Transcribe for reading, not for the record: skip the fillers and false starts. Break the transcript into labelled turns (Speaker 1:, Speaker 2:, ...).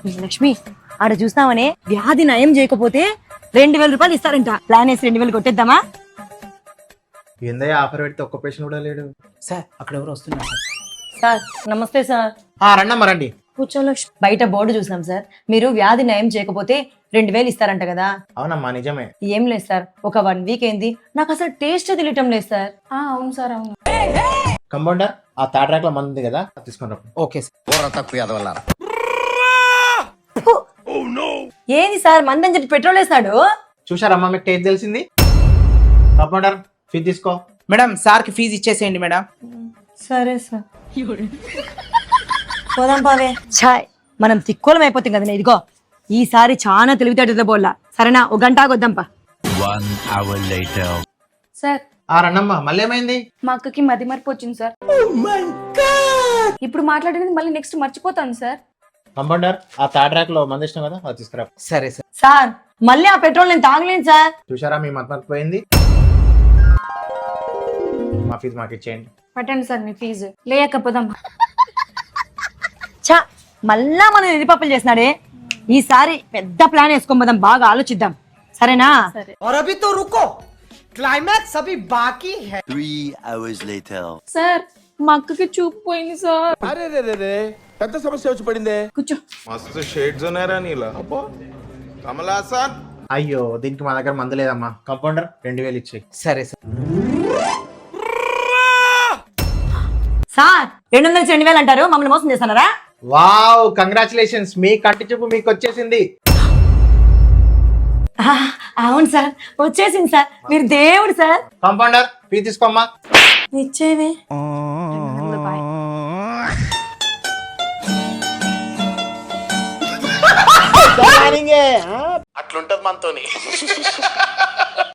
Speaker 1: లక్ష్మి ఆడ చూస్తామనే వ్యాధి నయం చేయకపోతే 2000 రూపాయలు ఇస్తారంట. ప్లాన్ వేసి 2000 కొట్టేద్దామా?
Speaker 2: ఏందయ్యా ఆఫర్ పెడితే ఒక్క పేషెంట్ కూడా లేడు.
Speaker 3: సార్ అక్కడ ఎవరు వస్తున్నారు సార్.
Speaker 1: సార్ నమస్తే సార్.
Speaker 2: రండమ్మా రండి.
Speaker 1: కూర్చో లక్ష్మి. బయట బోర్డు చూసాం సార్, మీరు వ్యాధి నయం చేయకపోతే 2000 ఇస్తారంట కదా.
Speaker 2: అవునమ్మా నిజమే.
Speaker 1: ఏం లేదు సార్, ఒక 1 వీక్ అయింది, నాకు అసలు టేస్ట్ తెలియటం లేదు సార్.
Speaker 4: అవును సార్ అవును.
Speaker 2: కంపౌండర్ ఆ థర్డ్ ర్యాక్ లో మంది ఉంది కదా తీసుకుని.
Speaker 3: Okay sir.
Speaker 1: ఏంది సార్ మందని చెప్పి పెట్రోల్ వేస్తాడు?
Speaker 2: చూసారమ్మా మీకు టేస్ట్ తెలిసింది. కంపౌండర్ ఫీ తీసుకో.
Speaker 3: మేడం సార్కి ఫీజు ఇచ్చేసేయండి మేడం.
Speaker 1: సరే సార్. పోదాం పావే. ఛాయ్ మనం తిక్కోలం అయిపోతాం కదా. ఇదిగో ఈసారి చాలా తెలివితేటతో బోల్లా. సరేనా, 1 గంట ఆగొద్దాంపా.
Speaker 5: 1 hour later.
Speaker 4: సార్
Speaker 2: రండమ్మా. మళ్ళీ ఏమైంది?
Speaker 4: మా అక్కకి మతి మరపు వచ్చింది సార్. ఇప్పుడు మాట్లాడినది మళ్ళీ నెక్స్ట్ మర్చిపోతాను సార్.
Speaker 2: కంపౌండర్ ఆ థర్డ్ ర్యాక్ లో మంది ఇష్టం కదా అది తీసుకురా.
Speaker 3: సరే సార్.
Speaker 1: సార్ మళ్ళీ ఆ పెట్రోల్ నేను తాగలేను సార్.
Speaker 2: చూసారా మీ మత్ పోయింది. మా ఫీజు మాకు ఇచ్చేయండి.
Speaker 4: పట్టండి సార్ మీ ఫీజు. లేకపోదాం.
Speaker 1: చా మళ్ళా మనం ఎదిపప్పులు చేసినాడే. ఈసారి పెద్ద ప్లాన్ వేసుకోమదాం, బాగా ఆలోచిద్దాం. సరేనా?
Speaker 4: సరే.
Speaker 6: और अभी तो रुको, क्लाइमैक्स अभी बाकी है.
Speaker 5: 3 hours later.
Speaker 4: సార్ మా అక్కకి చూపు పోయింది సార్.
Speaker 7: అరే రే రే రే పెద్ద సమస్య వచ్చి పడిందే.
Speaker 4: కూర్చో.
Speaker 7: మస్తు షేడ్స్ ఉన్నాయరా నీలా. అబ్బో కమలాసన్.
Speaker 2: అయ్యో దీనికి మా దగ్గర మందు లేదమ్మా. కంపౌండర్ 2000 ఇచ్చేయి.
Speaker 3: సరే సార్.
Speaker 1: సార్ 200 నుంచి 2000 అంటారు, మమ్మల్ని మోసం చేస్తున్నారా?
Speaker 2: వావ్ కంగ్రాచులేషన్స్, మీ కంటి చూపు మీకు వచ్చేసింది.
Speaker 1: అవును సార్, వచ్చేసింది సార్. మీరు దేవుడు సార్.
Speaker 2: కంపౌండర్ ఫీ తీసుకోమ్మా.
Speaker 1: ఇచ్చేవి.
Speaker 2: అట్లుంటది మనతోని.